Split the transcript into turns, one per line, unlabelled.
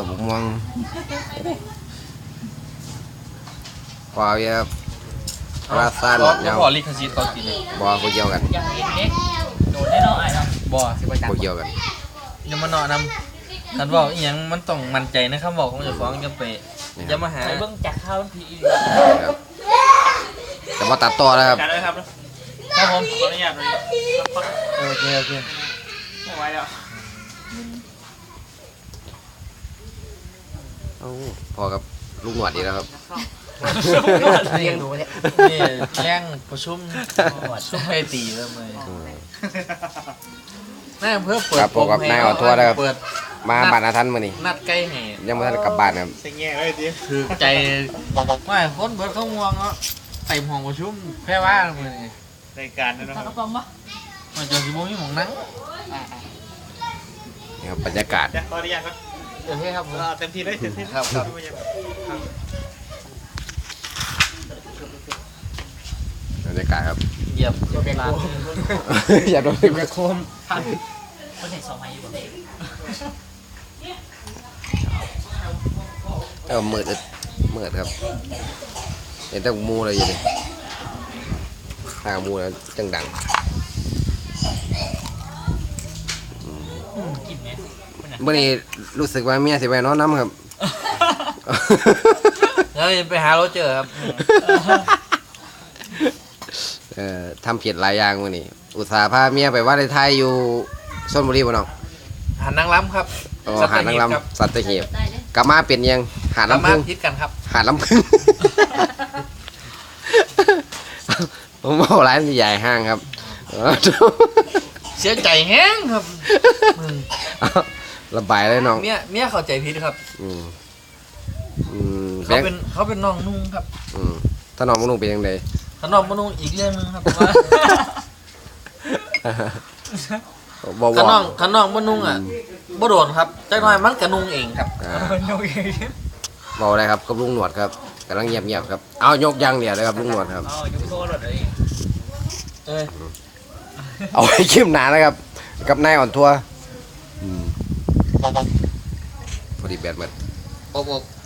ม่วงพอเยอะปลาสั้น
เดี๋ยวพอลิขสิทธิ์เขากินเลย
บ่อเกี่ยวกัน
ยังเห็นเด็กโดดได้เนาะไอ้เนาะ
บ่สิไปจับ
บ่เกี่ยวกัน
อย่ามาเนาะนำคันบอกอีหยังมันต้องมั่นใจนะคำบอกของเจ้าของอย่าไปอย่ามาหา
ไปเบิ่งจากข้าวมันผี
ครับแต่ว่าตัดต่อแล้วครับ
การด้วยครับ
ครับผม
ขออนุญาตเลย
โอเคโอเค
ไม่ไหวแล้ว
เอ้าพอกับลูกหนวดดีแล้วครับ
เลี้ยงหนูเนี่ย
นี่แรงประชุมชุมไอตีเริ่มเลยนายอำเภอเปิด
ครับผมกับนายอ่อนทัวร์นะครับ
เปิด
มาบ้านอาทันมื้อนี้
นัดใกล้แห่
ยังไม่ทันกลับบ้านครับ
เสียงแง่เลยดิ
คือใจไม่คนเบิดเขาง่วงเนาะเต็มห้องประชุมแค่ว่ามือนี่
รายการนะค
ปลา
รับ
กระป๋องปะ
มันจะสิบ่มีหมองนั่ง
นี่ครับบรรยากาศ
เดี๋ยวขออนุญาตครับ
โอเคครับผม
เต็มที่เลยเต็มที่
ครับครับ
บรรยากาศครับ
เหยียบเวลา
อย่าโดน
เหยียบกระโคม
คนเห็นสองไม้อยู่บ่
มืดมืดครับเห็นแต่หมูเลยอยู่นี่ทางหมูแล้วจังดัง
กินไหม
เมื่อนี้รู้สึกว่าเมียสิไปนอนน้ำครับ
แล้วไปหารถเจอครับ
ทำผิดหลายอย่างมื่อนี้อุตส่าห์พาเมียไปว่าในไทยอยู่ชลบุรีบ่น้อง
หาดนางล้ำครับ
หาดนางล
ครับ
ำสัตหีบกลับมาเป็นยังหาด
สา
ลำ
มา
พึ่
รง ถพิดกันครับ
หาดลำพึ่ง ผมบอกร้านใหญ่ห้างครับ
เสียใจแห้งครับ
ระบายเลยน้อง
เมียเข้าใจผิดครับ
อืม
เขาเป็นน้องนุ่งครับ
ถ้าน้องนุ่งเป็นยังไง
ถ้าน้องมานุ่งอีกเรื่องนึงครับว่า
บ่
ถ้าน้
บ่
องถ้าน้องมานุ่งอ่ะบ่โดนครับจักหน่อยมันกระนุ่งเองครับ
บอกอะไรครับกับลุงหนวดครับกำลังเงียบๆครับเอายกยังเดียวเลยครับลุงหนวดครับ
อ๋อยุบโซ่หลดเลย
เอ้ย
เอาไว้คลิปหนานะครับ กับนายอ่อนทัวร์พอดีแบตหมด
อก